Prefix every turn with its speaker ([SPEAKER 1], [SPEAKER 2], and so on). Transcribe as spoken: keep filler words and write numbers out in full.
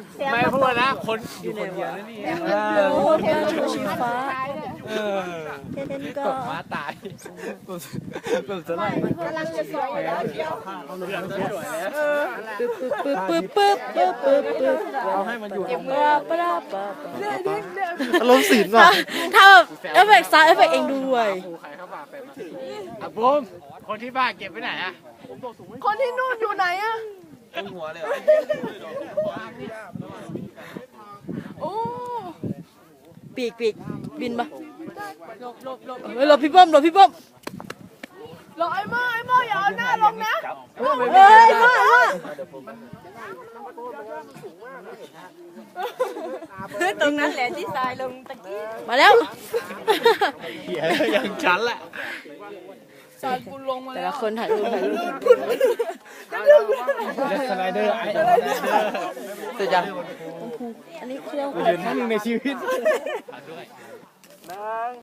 [SPEAKER 1] ไม่พูดนะคนอยู่คนเดียวนั่นนี่
[SPEAKER 2] โอ้แค่ชูชีฟ้า
[SPEAKER 1] เออ
[SPEAKER 2] แค่นั้นก็
[SPEAKER 1] ม้าตายแบบจะไล่
[SPEAKER 3] กำลังจะสวยแล้ว
[SPEAKER 2] ปึ๊บปึ๊บปึ๊บปึ๊บปึ๊บปึ๊บ
[SPEAKER 1] เราให้มันอยู่ของ
[SPEAKER 2] ปลาปลาปลา
[SPEAKER 4] อารมณ์ศิลป์ว่ะ
[SPEAKER 2] ถ้าแบบเอฟเฟกต์ซาวด์เอฟเฟกต์เองด้วย
[SPEAKER 1] ใครเข้ามาเป็นอ่ะบูมคนที่บ้านเก็บไว้ไหนอ่ะ
[SPEAKER 3] คนที่นู่นอยู่ไหนอะ
[SPEAKER 1] ต้นหัวเลย
[SPEAKER 3] โอ้
[SPEAKER 2] ปีกปีกบินปะเฮ้ยหลบพี่ป้อมหลบพี่ป้อม
[SPEAKER 3] รอไอ้โม่ไอ้โม่อย่าเอาหน้าลงนะ
[SPEAKER 2] เฮ้ยมามาตรงนั้นแหละที่ทรายลงตะกี้มาแล้ว
[SPEAKER 1] เหี้ยยังฉันแหละ
[SPEAKER 3] จานกูลงมา
[SPEAKER 2] แต่
[SPEAKER 3] แล้ว
[SPEAKER 2] ละคนถ่ายรูปถ่ายรูป
[SPEAKER 1] สไลเดอร์ไอ้เสร็จยัง
[SPEAKER 2] อันนี้เครื่อง
[SPEAKER 1] เดินครั้งหนึ่งในชีวิต